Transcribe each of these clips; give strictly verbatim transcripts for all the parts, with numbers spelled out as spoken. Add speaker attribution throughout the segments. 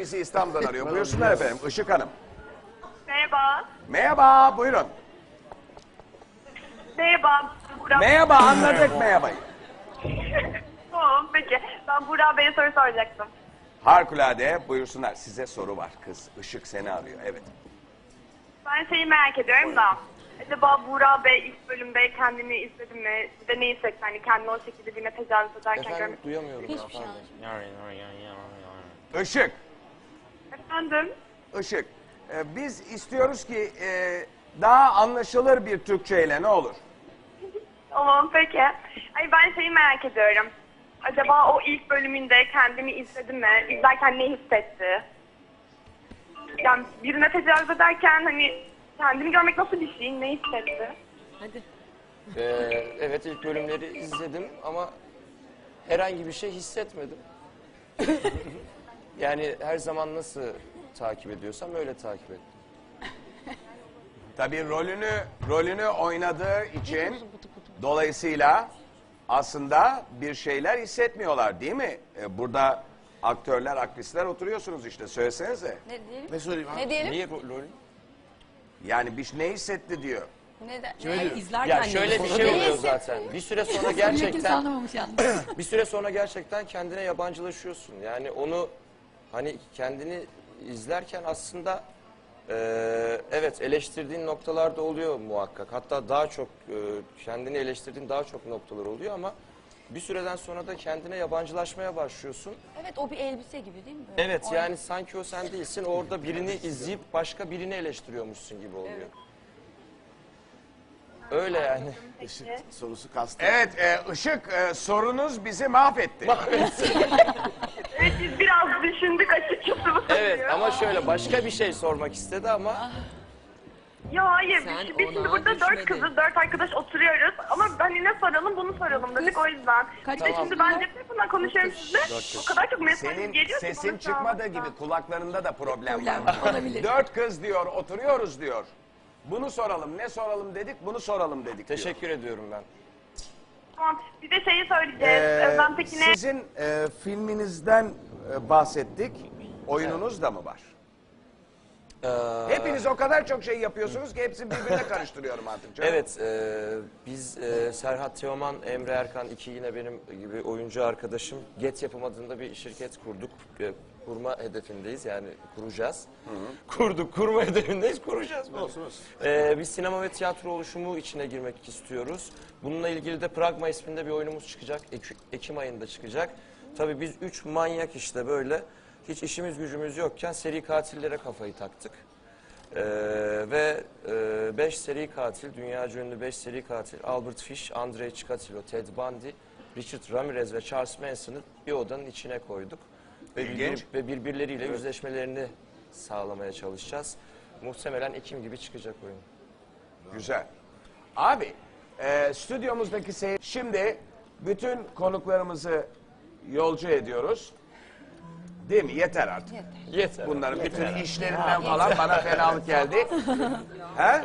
Speaker 1: Bizi İstanbul'dan arıyor. Buyursunlar efendim. Işık Hanım.
Speaker 2: Merhaba.
Speaker 1: Merhaba, buyurun.
Speaker 2: Merhaba. Burak.
Speaker 1: Merhaba, anladık merhabayı.
Speaker 2: Tamam, peki. Ben Burak Bey'e soru soracaktım.
Speaker 1: Harikulade, buyursunlar. Size soru var kız. Işık seni arıyor, evet.
Speaker 2: Ben şeyi merak ediyorum da. Acaba Burak Bey ilk bölümde kendini izledi mi? Bir de ne hissetti? Hani kendini o şekilde birine tecavüz ederken
Speaker 3: Efendim
Speaker 2: görmek.
Speaker 3: duyamıyorum.
Speaker 4: Hiçbir şey anlaşılmıyor.
Speaker 1: Işık,
Speaker 2: Efendim?
Speaker 1: Işık. Ee, biz istiyoruz ki e, daha anlaşılır bir Türkçeyle ne olur?
Speaker 2: Tamam, peki. Ay ben şeyi merak ediyorum. Acaba o ilk bölümünde kendini izledi mi? İzlerken ne hissetti? Yani birine tecavüz ederken hani kendini görmek nasıl bir şey? Ne hissetti?
Speaker 4: Hadi.
Speaker 3: Ee, evet ilk bölümleri izledim ama herhangi bir şey hissetmedim. Yani her zaman nasıl takip ediyorsam öyle takip ettim.
Speaker 1: Tabii rolünü rolünü oynadığı için dolayısıyla aslında bir şeyler hissetmiyorlar değil mi? Ee, burada aktörler, aktrisler oturuyorsunuz işte. Söylesenize.
Speaker 4: Ne diyelim?
Speaker 5: Ne söyleyeyim abi?
Speaker 4: Ne diyelim?
Speaker 3: Niye ro- rolü?
Speaker 1: Yani bir ne hissetti diyor.
Speaker 4: Neden?
Speaker 5: Şöyle-
Speaker 4: Ne?
Speaker 6: İzlerken
Speaker 3: Ya şöyle bir şey oluyor zaten. Bir süre sonra
Speaker 6: Kimse
Speaker 3: gerçekten
Speaker 6: anlamamış yalnız.
Speaker 3: bir süre sonra gerçekten kendine yabancılaşıyorsun. Yani onu hani kendini izlerken aslında eee, evet eleştirdiğin noktalar da oluyor muhakkak. Hatta daha çok eee, kendini eleştirdiğin daha çok noktalar oluyor ama bir süreden sonra da kendine yabancılaşmaya başlıyorsun.
Speaker 4: Evet, o bir elbise gibi değil mi? Böyle?
Speaker 3: Evet
Speaker 4: O-
Speaker 3: yani sanki o sen değilsin. Orada birini izleyip başka birini eleştiriyormuşsun gibi oluyor. Öyle yani.
Speaker 5: Işık sorusu kastı.
Speaker 1: Evet, e, Işık e, sorunuz bizi mahvetti.
Speaker 2: Evet, biz biraz düşündük açıkçası bu
Speaker 3: Evet
Speaker 2: soruyu.
Speaker 3: ama şöyle başka bir şey sormak istedi ama
Speaker 2: Ya hayır,
Speaker 6: Sen
Speaker 2: biz, biz şimdi
Speaker 6: ona
Speaker 2: burada dört
Speaker 6: düşmedin.
Speaker 2: kızız, dört arkadaş oturuyoruz ama hani ne soralım bunu soralım dedik o yüzden.
Speaker 6: Kaç
Speaker 2: Bir de
Speaker 3: Tamam.
Speaker 2: şimdi ben cep telefonundan konuşuyorum sizle. O kadar çok mesaj
Speaker 1: Senin
Speaker 2: geliyor ki
Speaker 1: sesin
Speaker 2: bana şu an.
Speaker 1: çıkmadığı gibi kulaklarında da problem
Speaker 6: Problem
Speaker 1: var.
Speaker 6: olabilir.
Speaker 1: Dört kız diyor, oturuyoruz diyor. Bunu soralım, ne soralım dedik, bunu soralım dedik diyor.
Speaker 3: teşekkür ediyorum ben.
Speaker 2: Tamam, bir de şeyi söyleyeceğiz.
Speaker 1: Ee,
Speaker 2: Özlem Tekin'e
Speaker 1: sizin e, filminizden e, bahsettik. Oyununuz da mı var?
Speaker 3: Ee,
Speaker 1: Hepiniz o kadar çok şey yapıyorsunuz ki hepsini birbirine karıştırıyorum artık. Canım.
Speaker 3: Evet, e, biz e, Serhat Teoman, Emre Erkan, iki yine benim gibi oyuncu arkadaşım Get Yapım adında bir şirket kurduk. E, kurma hedefindeyiz yani kuracağız. Kurduk, kurma hedefindeyiz, kuracağız. Böyle.
Speaker 5: Olsun, olsun.
Speaker 3: E, biz sinema ve tiyatro oluşumu içine girmek istiyoruz. Bununla ilgili de Pragma isminde bir oyunumuz çıkacak. Ek- Ekim ayında çıkacak. Tabii biz üç manyak işte böyle hiç işimiz gücümüz yokken seri katillere kafayı taktık. Ee, ve e, beş seri katil, dünyaca ünlü beş seri katil, Albert Fish, Andrei Chikatilo, Ted Bundy, Richard Ramirez ve Charles Manson'ı bir odanın içine koyduk. Ve,
Speaker 1: İlginç.
Speaker 3: birbir- ve birbirleriyle yüzleşmelerini sağlamaya çalışacağız. Muhtemelen Ekim gibi çıkacak oyun.
Speaker 1: Güzel. Abi, e, stüdyomuzdaki seyir... Şimdi bütün konuklarımızı yolcu ediyoruz. Değil mi? Yeter artık.
Speaker 3: Yeter.
Speaker 1: Bunların bütün işlerinden falan bana fenalık geldi. He?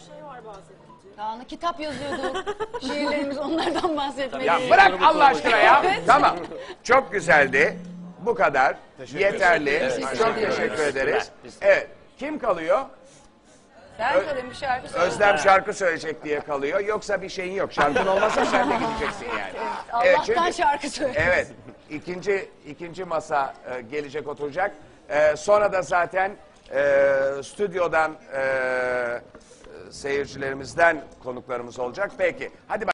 Speaker 4: Kaan'a kitap yazıyorduk. Şiirlerimiz onlardan bahsetmeli.
Speaker 1: Ya bırak Allah aşkına ya. Tamam. Çok güzeldi. Bu kadar.
Speaker 5: Teşekkür
Speaker 1: Yeterli.
Speaker 5: ederiz.
Speaker 1: Çok teşekkür ederiz. Evet. Kim kalıyor?
Speaker 4: Sen söyle bir şarkı söyle.
Speaker 1: Özlem şarkı söyleyecek diye kalıyor. Yoksa bir şeyin yok. Şarkın olmasa sen de gideceksin yani. Evet,
Speaker 4: Allah'tan
Speaker 1: çünkü-
Speaker 4: şarkı söyle.
Speaker 1: Evet. İkinci, ikinci masa e, gelecek oturacak. E, sonra da zaten e, stüdyodan e, seyircilerimizden konuklarımız olacak. Peki. Hadi bak.